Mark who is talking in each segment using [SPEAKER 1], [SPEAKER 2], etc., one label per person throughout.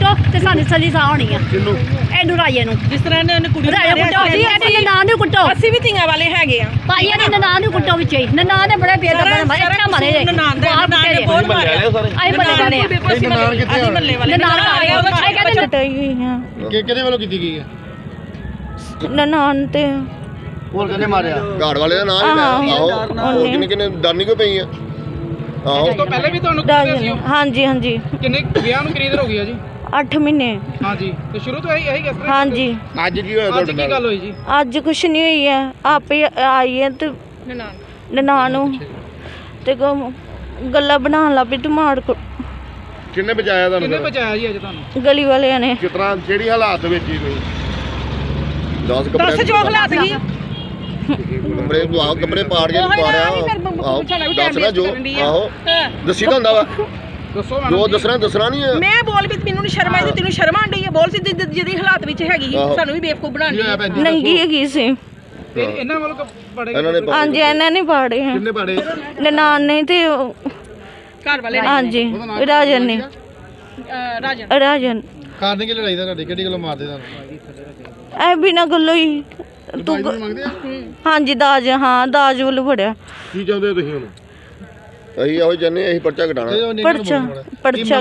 [SPEAKER 1] ਕੁੱਟੋ ਤੇ ਸਾਨੂੰ ਸਲੀ ਸਾਹ ਹੋਣੀ ਆ ਇਹਨੂੰ ਰਾਜੇ ਨੂੰ
[SPEAKER 2] ਜਿਸ ਤਰ੍ਹਾਂ ਇਹਨੇ ਕੁੜੀ ਨੂੰ
[SPEAKER 1] ਰਾਜੇ ਕੁੱਟੋ ਜੀ ਇਹਦੀ ਨਾਂ ਨੂੰ ਕੁੱਟੋ
[SPEAKER 2] ਅਸੀਂ ਵੀ ਧੀਆਂ ਵਾਲੇ ਹੈਗੇ ਆ
[SPEAKER 1] ਭਾਈ ਇਹਦੀ ਨਾਂ ਨੂੰ ਕੁੱਟੋ ਵਿੱਚ ਹੀ ਨਾਂ ਨੇ ਬੜੇ ਬੇਦਰਦ ਮਾਰੇ ਇੱਥੇ ਮਾਰੇ ਜੇ
[SPEAKER 2] ਨਨਾਣ ਨੇ ਬਹੁਤ ਮਾਰਿਆ
[SPEAKER 1] ਅਸੀਂ ਬੰਦੇ ਜਾਣੇ ਆ
[SPEAKER 2] ਅਸੀਂ ਮੱਲੇ ਵਾਲੇ
[SPEAKER 1] ਨਨਾਣ ਆ ਗਿਆ ਉਹਦਾ ਛੇ ਕਹਿੰਦੇ
[SPEAKER 3] ਕਟਾਈ ਗਈ ਆ
[SPEAKER 4] ਕਿਹਦੇ ਵੱਲੋਂ ਕੀਤੀ ਗਈ ਹੈ?
[SPEAKER 3] ਨਨਾਣ ਤੇ
[SPEAKER 4] ਹੋਰ ਕਿਹਨੇ ਮਾਰਿਆ? ਘਾੜ ਵਾਲੇ ਦਾ ਨਾਮ ਹੀ ਆਹੋ ਹੋਰ ਕਿੰਨੇ ਦਾਨੀ ਕੋ ਪਈ ਆ ਆਹੋ।
[SPEAKER 5] ਇਸ ਤੋਂ ਪਹਿਲੇ ਵੀ ਤੁਹਾਨੂੰ
[SPEAKER 3] ਹਾਂਜੀ ਹਾਂਜੀ
[SPEAKER 5] ਕਿੰਨੇ ਵਿਆਹ ਨੂੰ ਕਿੰਨੀ ਦੇਰ ਹੋ ਗਈ ਆ ਜੀ?
[SPEAKER 3] 8 ਮਹੀਨੇ
[SPEAKER 5] ਹਾਂਜੀ ਤੇ ਸ਼ੁਰੂ ਤੋਂ ਇਹੀ ਕਿਸ ਤਰ੍ਹਾਂ?
[SPEAKER 3] ਹਾਂਜੀ
[SPEAKER 4] ਅੱਜ ਕੀ ਹੋਇਆ
[SPEAKER 5] ਅੱਜ
[SPEAKER 4] ਤੁਹਾਡੇ
[SPEAKER 5] ਕੀ
[SPEAKER 4] ਨਾਲ?
[SPEAKER 5] ਗੱਲ ਹੋਈ ਜੀ?
[SPEAKER 3] ਅੱਜ ਕੁਛ ਨਹੀਂ ਹੋਈ ਹੈ ਆਪੇ ਆਈ ਹੈ ਤੇ ਨਨਾਣ ਨੂੰ ਤੇ ਗੱਲਾਂ ਬਣਾਉਣ ਲੱਗ ਪਈ ਟਮਾੜ
[SPEAKER 4] ਕਿੰਨੇ ਬਚਾਇਆ
[SPEAKER 5] ਕਿੰਨੇ
[SPEAKER 4] ਤੁਹਾਨੂੰ?
[SPEAKER 5] ਬਚਾਇਆ ਜੀ ਅੱਜ ਤੁਹਾਨੂੰ?
[SPEAKER 3] ਗਲੀ ਵਾਲਿਆਂ ਨੇ
[SPEAKER 4] ਕਿਸ ਤਰ੍ਹਾਂ ਜਿਹੜੀ ਹਾਲਾਤ ਵਿੱਚ ਹੀ ਕੋਈ 10 ਕੱਪੜੇ
[SPEAKER 2] ਦੱਸ ਜੋ ਹਾਲਾਤ ਸੀ
[SPEAKER 4] ਕੱਪੜੇ ਪਾੜ ਕੇ ਪਾੜਿਆ ਆਹੋ ਦੱਸਣਾ ਜੋ ਆਹੋ ਦੱਸੀ ਤਾਂ ਹੁੰਦਾ ਵਾ
[SPEAKER 5] ਦੱਸੋ
[SPEAKER 4] ਜੋ ਦੱਸਣਾ ਨਹੀਂ ਹੈ।
[SPEAKER 2] ਮੈਂ ਬੋਲ ਵੀ ਮੈਨੂੰ ਸ਼ਰਮ ਆਈ ਤੈਨੂੰ ਸ਼ਰਮ ਆਂਦੀ ਹੈ ਬੋਲ ਸੀ ਜਿਹਦੀ ਹਾਲਾਤ ਵਿੱਚ ਹੈਗੀ ਸਾਨੂੰ ਵੀ ਬੇਵਕੂਫ ਬਣਾਉਣੀ
[SPEAKER 3] ਨੰਗੀ ਹੈਗੀ ਸੀ
[SPEAKER 5] ਤੇ ਇਹਨਾਂ ਵੱਲੋਂ ਪੜੇ
[SPEAKER 4] ਇਹਨਾਂ ਨੇ
[SPEAKER 3] ਹਾਂਜੀ ਇਹਨਾਂ ਨੇ ਪਾੜੇ ਹੈ
[SPEAKER 4] ਕਿੰਨੇ ਪਾੜੇ?
[SPEAKER 3] ਨਨਾਣ ਨੇ ਤੇ
[SPEAKER 2] ਘਰ ਵਾਲੇ
[SPEAKER 3] ਹਾਂਜੀ ਰਾਜਨ ਨੇ ਰਾਜਨ
[SPEAKER 4] ਕਾਰਨ ਕੀ ਲੜਾਈ ਦਾ ਤੁਹਾਡੀ ਕਿਹੜੀ ਗੱਲੋਂ ਮਾਰਦੇ ਤੁਹਾਨੂੰ?
[SPEAKER 3] ਐ ਬਿਨਾਂ ਗੱਲੋਂ ਹੀ ਤੂੰ
[SPEAKER 4] ਮੰਗਦੇ ਆ
[SPEAKER 3] ਹਾਂਜੀ ਦਾਜ ਹਾਂ ਦਾਜ ਵੱਲ ਫੜਿਆ
[SPEAKER 4] ਕੀ ਚਾਹੁੰਦੇ ਹੋ ਤੁਸੀਂ ਹੁਣ? ਅਸੀਂ ਇਹੋ ਜੰਨੇ ਅਸੀਂ ਪਰਚਾ ਘਟਾਣਾ
[SPEAKER 3] ਪਰਚਾ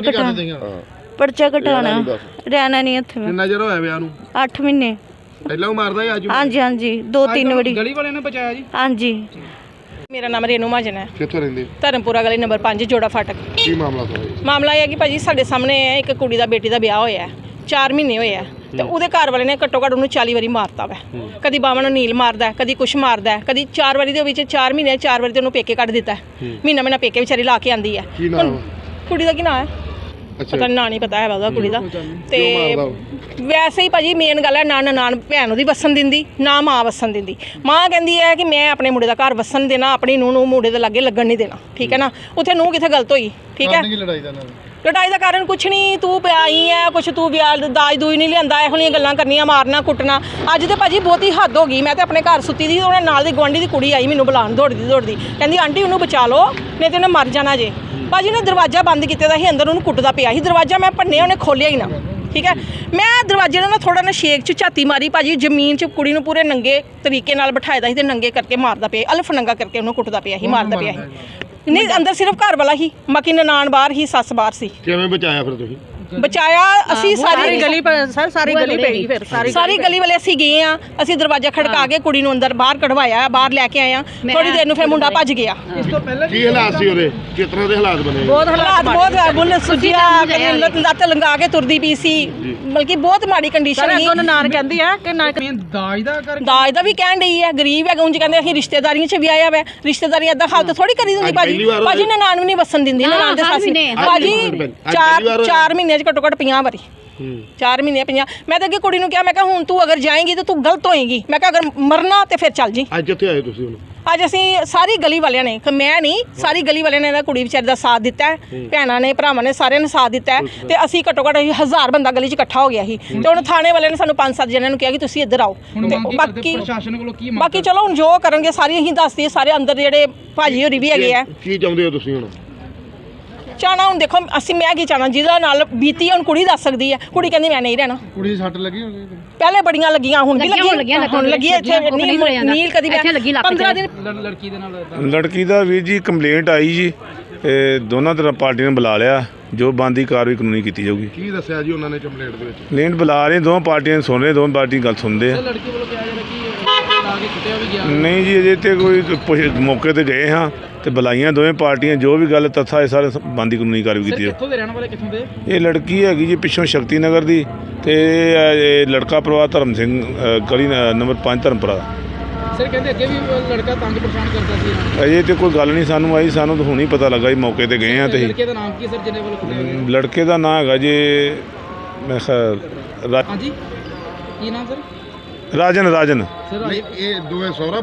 [SPEAKER 3] ਘਟਾਣਾ ਰਹਿਣਾ ਨਹੀਂ ਇੱਥੇ ਮੈਂ।
[SPEAKER 4] ਕਿੰਨਾ ਚਿਰ ਹੋਇਆ ਵਿਆਹ ਨੂੰ?
[SPEAKER 3] 8 ਮਹੀਨੇ
[SPEAKER 4] ਪਹਿਲਾਂ ਉਹ ਮਾਰਦਾ ਸੀ ਅੱਜ
[SPEAKER 3] ਹਾਂਜੀ ਹਾਂਜੀ 2-3 ਵਾਰੀ
[SPEAKER 5] ਗਲੀ ਵਾਲਿਆਂ ਨੇ ਬਚਾਇਆ ਜੀ?
[SPEAKER 3] ਹਾਂਜੀ
[SPEAKER 2] ਮੇਰਾ ਨਾਮ ਰੇਨੂ ਮਹਾਜਨ ਹੈ
[SPEAKER 4] ਕਿੱਥੋਂ ਰਹਿੰਦੇ?
[SPEAKER 2] ਧਰਮਪੁਰਾ ਗਲੀ ਨੰਬਰ 5 ਜੋੜਾ ਫਾਟਕ।
[SPEAKER 4] ਕੀ ਮਾਮਲਾ ਤੁਹਾਡਾ?
[SPEAKER 2] ਮਾਮਲਾ ਇਹ ਹੈ ਕਿ ਭਾਜੀ ਸਾਡੇ ਸਾਹਮਣੇ ਇੱਕ ਕੁੜੀ ਦਾ ਬੇਟੀ ਦਾ ਵਿਆਹ ਹੋਇਆ ਹੈ 4 ਮਹੀਨੇ ਹੋਏ ਆ ਤੇ ਉਹਦੇ ਘਰ ਵਾਲੇ ਨੇ ਘੱਟੋ ਘੱਟ ਉਹਨੂੰ 40 ਵਾਰੀ ਮਾਰਤਾ ਵਾ ਕਦੀ ਬਾਵਾਂ ਨੂੰ ਨੀਲ ਮਾਰਦਾ ਕਦੀ ਕੁਛ ਮਾਰਦਾ ਕਦੀ 4 ਵਾਰੀ ਦੇ ਵਿੱਚ 4 ਮਹੀਨੇ 4 ਵਾਰੀ ਤੇ ਉਹਨੂੰ ਪੇਕੇ ਕੱਢ ਦਿੱਤਾ ਮਹੀਨਾ ਪੇਕੇ ਵਿਚਾਰੀ ਲਾ ਕੇ ਆਂਦੀ ਹੈ
[SPEAKER 4] ਕੀ ਨਾਮ?
[SPEAKER 2] ਕੁੜੀ ਦਾ ਕੀ ਨਾਮ ਹੈ ਪਤਾ ਨਾਂ ਨਹੀਂ ਪਤਾ ਹੈ ਉਹਦਾ ਕੁੜੀ ਦਾ ਤੇ ਵੈਸੇ ਹੀ ਭਾਜੀ ਮੇਨ ਗੱਲ ਹੈ ਨਾ ਨਨਾਣ ਭੈਣ ਉਹਦੀ ਵਸਣ ਦਿੰਦੀ ਨਾ ਮਾਂ ਵਸਣ ਦਿੰਦੀ ਮਾਂ ਕਹਿੰਦੀ ਹੈ ਕਿ ਮੈਂ ਆਪਣੇ ਮੁੰਡੇ ਦਾ ਘਰ ਵਸਣ ਦੇਣਾ ਆਪਣੀ ਨੂੰਹ ਨੂੰ ਮੁੰਡੇ ਦੇ ਲਾਗੇ ਲੱਗਣ ਨਹੀਂ ਦੇਣਾ ਠੀਕ ਹੈ ਨਾ ਉੱਥੇ ਨੂੰਹ ਕਿੱਥੇ ਗਲਤ ਹੋਈ ਠੀਕ ਹੈ ਲੜਾਈ ਦਾ ਕਾਰਨ ਕੁਛ ਨਹੀਂ ਤੂੰ ਪਿਆਈ ਹੈ ਕੁਛ ਤੂੰ ਵਿਆਹ ਦਾਜ ਦੂਜ ਨਹੀਂ ਲਿਆਂਦਾ ਇਹੋ ਜਿਹੀਆਂ ਗੱਲਾਂ ਕਰਨੀਆਂ ਮਾਰਨਾ ਕੁੱਟਣਾ ਅੱਜ ਤੇ ਭਾਜੀ ਬਹੁਤੀ ਹੱਦ ਹੋ ਗਈ ਮੈਂ ਤੇ ਆਪਣੇ ਘਰ ਸੁੱਤੀ ਦੀ ਉਹਨਾਂ ਨਾਲ ਦੀ ਗੁਆਂਢੀ ਦੀ ਕੁੜੀ ਆਈ ਮੈਨੂੰ ਬੁਲਾਉਣ ਦੌੜਦੀ ਕਹਿੰਦੀ ਆਂਟੀ ਉਹਨੂੰ ਬਚਾ ਲਓ ਨਹੀਂ ਤੇ ਉਹਨੇ ਮਰ ਜਾਣਾ ਜੇ ਭਾਜੀ ਨੇ ਦਰਵਾਜ਼ਾ ਬੰਦ ਕੀਤੇ ਦਾ ਸੀ ਅੰਦਰ ਉਹਨੂੰ ਕੁੱਟਦਾ ਪਿਆ ਸੀ ਦਰਵਾਜ਼ਾ ਮੈਂ ਭੰਨਿਆ ਉਹਨੇ ਖੋਲਿਆ ਹੀ ਨਾ ਠੀਕ ਹੈ ਮੈਂ ਦਰਵਾਜ਼ੇ ਨਾਲ ਥੋੜਾ ਨਾ ਸ਼ੇਕ ਚ ਝਾਤੀ ਮਾਰੀ ਭਾਜੀ ਜ਼ਮੀਨ 'ਚ ਕੁੜੀ ਨੂੰ ਪੂਰੇ ਨੰਗੇ ਤਰੀਕੇ ਨਾਲ ਬਿਠਾਇਦਾ ਸੀ ਤੇ ਨੰਗੇ ਕਰਕੇ ਮਾਰਦਾ ਪਿਆ ਅਲਫ ਨੰਗਾ ਕਰਕੇ ਉਹਨੂੰ ਕੁੱਟਦਾ ਪਿਆ ਸੀ ਮਾਰਦਾ ਪਿਆ ਸੀ ਨਹੀਂ ਅੰਦਰ ਸਿਰਫ ਘਰ ਵਾਲਾ ਹੀ ਬਾਕੀ ਨਨਾਣ ਬਾਹਰ ਹੀ ਸੱਸ ਬਾਹਰ ਸੀ
[SPEAKER 4] ਕਿਵੇਂ ਬਚਾਇਆ ਫਿਰ ਤੁਸੀਂ?
[SPEAKER 2] ਬਚਾਇਆ ਅਸੀਂ ਸਾਰੀ ਗਲੀ ਸਰ ਸਾਰੀ ਗਲੀ ਪੈ ਗਈ ਫਿਰ ਸਾਰੀ ਗਲੀ ਵਾਲੇ ਅਸੀਂ ਗਏ ਆ ਅਸੀਂ ਦਰਵਾਜ਼ਾ ਖੜਕਾ ਕੇ ਕੁੜੀ ਨੂੰ ਅੰਦਰ ਬਾਹਰ ਕਢਵਾਇਆ ਬਾਹਰ ਲੈ ਕੇ ਆਏ ਆ ਥੋੜੀ ਦੇਰ ਨੂੰ ਫਿਰ ਮੁੰਡਾ ਭੱਜ ਗਿਆ
[SPEAKER 5] ਇਸ ਤੋਂ ਪਹਿਲੇ
[SPEAKER 4] ਕੀ ਹਾਲਾਤ ਸੀ ਉਹਦੇ? ਕਿਸ ਤਰ੍ਹਾਂ ਦੇ ਹਾਲਾਤ ਬਣੇ?
[SPEAKER 2] ਬਹੁਤ ਹਾਲਾਤ ਬੁੱਲ ਸੁਜਿਆ ਲੱਤ ਲੰਗਾ ਕੇ ਤੁਰਦੀ ਪਈ ਸੀ ਬਲਕਿ ਬਹੁਤ ਮਾੜੀ ਕੰਡੀਸ਼ਨ ਸੀ
[SPEAKER 3] ਨਨਾਣ ਕਹਿੰਦੀ ਆ ਕਿ ਨਾ
[SPEAKER 5] ਦਾਜ ਦਾ ਕਰ
[SPEAKER 2] ਦਾਜ ਦਾ ਵੀ ਕਹਿਣ ਡਈ ਹੈ ਗਰੀਬ ਹੈ ਉਂਝ ਕਹਿੰਦੇ ਅਸੀਂ ਰਿਸ਼ਤੇਦਾਰੀਆਂ 'ਚ ਵੀ ਆਇਆ ਵਾ ਰਿਸ਼ਤੇਦਾਰੀ ਏਦਾਂ ਹਾਲਤ ਥੋੜੀ ਕਰੀ ਦਿੰਦੀ ਭਾਜੀ ਨਨਾਣ ਵੀ ਨਹੀਂ ਵਸਣ ਦਿੰਦੀ ਨਨਾਣ ਦੇ ਸਾਸੀ ਭਾਜੀ 4 ਮਹੀਨਿਆਂ 'ਚ ਘੱਟੋ ਘੱਟ 50 ਵਾਰੀ 4 ਮਹੀਨੇ 50 ਮੈਂ ਤਾਂ ਅੱਗੇ ਕੁੜੀ ਨੂੰ ਕਿਹਾ ਮੈਂ ਕਿਹਾ ਹੁਣ ਤੂੰ ਅਗਰ ਜਾਏਂਗੀ ਤਾਂ ਤੂੰ ਗਲਤ ਹੋਏਗੀ ਮੈਂ ਕਿਹਾ ਅਗਰ ਮਰਨਾ ਤੇ ਫਿਰ ਚੱਲ ਜੀ
[SPEAKER 4] ਅੱਜ ਕਿੱਥੇ ਆਏ ਤੁਸੀਂ ਹੁਣ?
[SPEAKER 2] ਅੱਜ ਅਸੀਂ ਸਾਰੀ ਗਲੀ ਵਾਲਿਆਂ ਨੇ ਮੈਂ ਨਹੀਂ ਸਾਰੀ ਗਲੀ ਵਾਲਿਆਂ ਨੇ ਕੁੜੀ ਵਿਚਾਰੀ ਦਾ ਸਾਥ ਦਿੱਤਾ ਹੈ ਭੈਣਾਂ ਨੇ ਭਰਾਵਾਂ ਨੇ ਸਾਰਿਆਂ ਨੇ ਸਾਥ ਦਿੱਤਾ ਹੈ ਤੇ ਅਸੀਂ ਘੱਟੋ ਘੱਟ 1000 ਬੰਦਾ ਗਲੀ 'ਚ ਇਕੱਠਾ ਹੋ ਗਿਆ ਸੀ ਤੇ ਹੁਣ ਥਾਣੇ ਵਾਲਿਆਂ ਨੇ ਸਾਨੂੰ 5-7 ਜਣਿਆਂ ਨੂੰ ਕਿਹਾ ਕਿ ਤੁਸੀਂ ਇੱਧਰ ਆਓ ਤੇ
[SPEAKER 5] ਪ੍ਰਸ਼ਾਸਨ ਕੋਲੋਂ ਕੀ
[SPEAKER 2] ਬਾਕੀ ਚਲੋ ਹੁਣ ਜੋ ਕਰਨਗੇ ਸਾਰੀ ਅਸੀਂ ਦੱਸਦੇ ਸਾਰੇ ਅੰਦਰ ਜਿਹੜੇ ਭਾਜੀ ਹੋਰੀ ਵੀ ਹੈਗੇ ਆ
[SPEAKER 4] ਕੀ ਚਾਹੁੰਦੇ ਹੋ ਤੁਸੀਂ ਹੁਣ?
[SPEAKER 2] ਚਾਹਣਾ ਹੁਣ ਦੇਖੋ ਅਸੀਂ ਮੈਂ ਕੀ ਚਾਹਣਾ ਜਿਹਦਾ ਨਾਲ ਬੀਤੀ ਹੁਣ ਕੁੜੀ ਦੱਸ ਸਕਦੀ ਹੈ ਕੁੜੀ ਕਹਿੰਦੀ ਮੈਂ ਨਹੀਂ ਰਹਿਣਾ
[SPEAKER 4] ਕੁੜੀ ਦੀ ਸੱਟ ਲੱਗੀ ਹੋਣੀ?
[SPEAKER 2] ਪਹਿਲੇ ਬੜੀਆਂ ਲੱਗੀਆਂ ਹੁਣ ਵੀ ਲੱਗੀਆਂ ਹੁਣ ਲੱਗੀ ਇੱਥੇ ਨੀਲ ਕਦੀ 15 ਦਿਨ
[SPEAKER 5] ਲੜਕੀ ਦੇ ਨਾਲ
[SPEAKER 6] ਲੜਕੀ ਦਾ ਵੀਰ ਜੀ ਕੰਪਲੇਂਟ ਆਈ ਜੀ ਦੋਨਾਂ ਤਰ੍ਹਾਂ ਪਾਰਟੀਆਂ ਨੇ ਬੁਲਾ ਲਿਆ ਜੋ ਬਣਦੀ ਕਾਰਵਾਈ ਕਾਨੂੰਨੀ ਕੀਤੀ ਜਾਊਗੀ।
[SPEAKER 4] ਕੀ ਦੱਸਿਆ ਜੀ ਉਹਨਾਂ ਨੇ ਕੰਪਲੇਂਟ ਦੇ ਵਿੱਚ?
[SPEAKER 6] ਕੰਪਲੇਂਟ ਬੁਲਾ ਰਹੇ ਦੋਵਾਂ ਪਾਰਟੀਆਂ ਸੁਣ ਰਹੇ ਦੋਵਾਂ ਪਾਰਟੀ ਗੱਲ ਸੁਣਦੇ ਆ।
[SPEAKER 5] ਲੜਕੀ ਵੱਲੋਂ ਕਿਹਾ ਜਾ ਰਿਹਾ ਕਿ ਲਾ ਕੇ ਕੁੱਟਿਆ ਵੀ ਗਿਆ
[SPEAKER 6] ਨਹੀਂ ਜੀ ਅਜੇ ਤੇ ਕੋਈ ਮੌਕੇ ਤੇ ਗਏ ਹਾਂ ਤੇ ਬੁਲਾਈਆਂ ਦੋਵੇਂ ਪਾਰਟੀਆਂ ਜੋ ਵੀ ਗੱਲ ਤੱਥਾ ਇਹ ਸਾਰੇ ਬਣਦੀ ਕਾਨੂੰਨੀ ਕਾਰਵਾਈ ਕੀਤੀ
[SPEAKER 5] ਕਿੱਥੋਂ ਦੇ ਰਹਿਣ ਵਾਲੇ ਕਿੱਥੋਂ ਦੇ?
[SPEAKER 6] ਇਹ ਲੜਕੀ ਹੈਗੀ ਜੀ ਪਿੱਛੋਂ ਸ਼ਕਤੀ ਨਗਰ ਦੀ ਤੇ ਇਹ ਲੜਕਾ ਪਰਿਵਾਰ ਧਰਮ ਸਿੰਘ ਗਲੀ ਨੰਬਰ 5 ਧਰਮਪੁਰਾ।
[SPEAKER 5] ਸਰ ਕਹਿੰਦੇ ਅੱਗੇ ਵੀ ਲੜਕਾ ਤੰਗ ਪਰੇਸ਼ਾਨ ਕਰਦਾ ਸੀ।
[SPEAKER 6] ਅਜੇ ਤੇ ਕੋਈ ਗੱਲ ਨਹੀਂ ਸਾਨੂੰ ਆਈ ਸਾਨੂੰ ਤਾਂ ਹੁਣ ਹੀ ਪਤਾ ਲੱਗਾ ਜੀ ਮੌਕੇ ਤੇ ਗਏ ਹਾਂ ਤੇ
[SPEAKER 5] ਲੜਕੇ ਦਾ ਨਾਮ ਕੀ ਸਰ ਜਿਹਨੇ ਵੱਲੋਂ ਕੁੱਟਿਆ ਗਿਆ?
[SPEAKER 6] ਲੜਕੇ ਦਾ ਨਾਂ ਹੈਗਾ ਜੀ ਮੈਂ
[SPEAKER 5] ਹਾਂਜੀ ਕੀ ਨਾਮ ਸਰ?
[SPEAKER 6] ਰਾਜਨ
[SPEAKER 5] ਸਰ
[SPEAKER 4] ਇਹ ਦੋਵੇਂ ਸਹੁਰਾ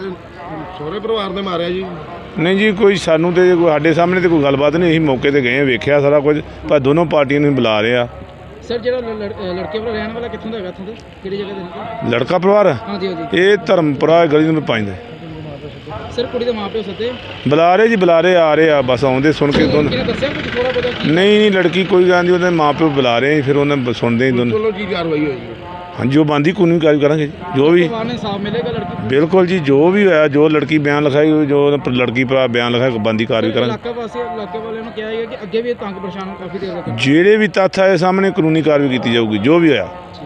[SPEAKER 4] ਪਰਿਵਾਰ ਨੇ ਮਾਰਿਆ ਜੀ?
[SPEAKER 6] ਨਹੀਂ ਜੀ ਕੋਈ ਸਾਨੂੰ ਤੇ ਕੋਈ ਸਾਡੇ ਸਾਹਮਣੇ ਤੇ ਕੋਈ ਗੱਲਬਾਤ ਨਹੀਂ ਅਸੀਂ ਮੌਕੇ ਤੇ ਗਏ ਵੇਖਿਆ ਸਾਰਾ ਕੁਝ ਪਰ ਦੋਨੋਂ ਪਾਰਟੀਆਂ ਨੂੰ ਬੁਲਾ ਰਹੇ ਆ।
[SPEAKER 5] ਸਰ ਜਿਹੜਾ ਲੜਕੇ ਵੱਲੋਂ ਰਹਿਣ ਵਾਲਾ ਕਿੱਥੋਂ ਦਾ ਹੈਗਾ ਇੱਥੋਂ ਦੇ ਕਿਹੜੀ ਜਗ੍ਹਾ ਦੇ?
[SPEAKER 6] ਲੜਕਾ ਪਰਿਵਾਰ
[SPEAKER 5] ਹਾਂਜੀ
[SPEAKER 6] ਇਹ ਧਰਮਪੁਰਾ ਗਲੀ ਨੰਬਰ 5 ਦਾ।
[SPEAKER 5] ਸਰ ਕੁੜੀ ਦੇ ਮਾਪਿਓ ਸੱਦੇ
[SPEAKER 6] ਬੁਲਾ ਰਹੇ ਜੀ, ਬੁਲਾ ਰਹੇ, ਆ ਰਹੇ ਆ, ਬਸ ਆਉਂਦੇ ਸੁਣ ਕੇ ਦੋਨੋਂ।
[SPEAKER 5] ਕਿਹਨੇ ਦੱਸਿਆ ਕੁਝ ਥੋੜਾ ਬਹੁਤਾ ਕੀ
[SPEAKER 6] ਨਹੀਂ ਲੜਕੀ ਕੋਈ ਗੱਲ ਨਹੀਂ, ਉਹਦੇ ਮਾਪਿਓ ਬੁਲਾ ਰਹੇ, ਫਿਰ ਉਹਨਾਂ ਸੁਣਦੇ ਹੀ ਦੋਨੋਂ।
[SPEAKER 4] ਚਲੋ ਕੀ ਕਾਰਵਾਈ ਹੋਈ
[SPEAKER 6] ਹਾਂਜੀ ਉਹ ਬੰਦੀ ਕਾਨੂੰਨੀ ਕਾਰਵਾਈ ਕਰਾਂਗੇ ਜੀ, ਜੋ ਵੀ
[SPEAKER 5] ਪਰਿਵਾਰ ਨੇ ਇਨਸਾਫ ਮਿਲੇਗਾ ਲੜਕੀ ਨੂੰ?
[SPEAKER 6] ਬਿਲਕੁਲ ਜੀ, ਜੋ ਵੀ ਹੋਇਆ, ਜੋ ਲੜਕੀ ਬਿਆਨ ਲਿਖਾਈ, ਜੋ ਲੜਕੀ ਭਰਾ ਬਿਆਨ ਲਿਖਾਇਆ, ਬੰਦੀ ਕਾਰਵਾਈ ਕਰਾਂਗੇ।
[SPEAKER 5] ਇਲਾਕੇ ਵਾਲਿਆਂ ਨੂੰ ਕਿਹਾ ਹੈ ਕਿ ਅੱਗੇ ਵੀ ਇਹ ਤੰਗ ਪਰੇਸ਼ਾਨ ਕਾਫੀ ਦੇਰ ਤੱਕ
[SPEAKER 6] ਜਿਹੜੇ ਵੀ ਤੱਥ ਆਏ ਸਾਹਮਣੇ ਕਾਨੂੰਨੀ ਕਾਰਵਾਈ ਕੀਤੀ ਜਾਊਗੀ, ਜੋ ਵੀ ਹੋਇਆ।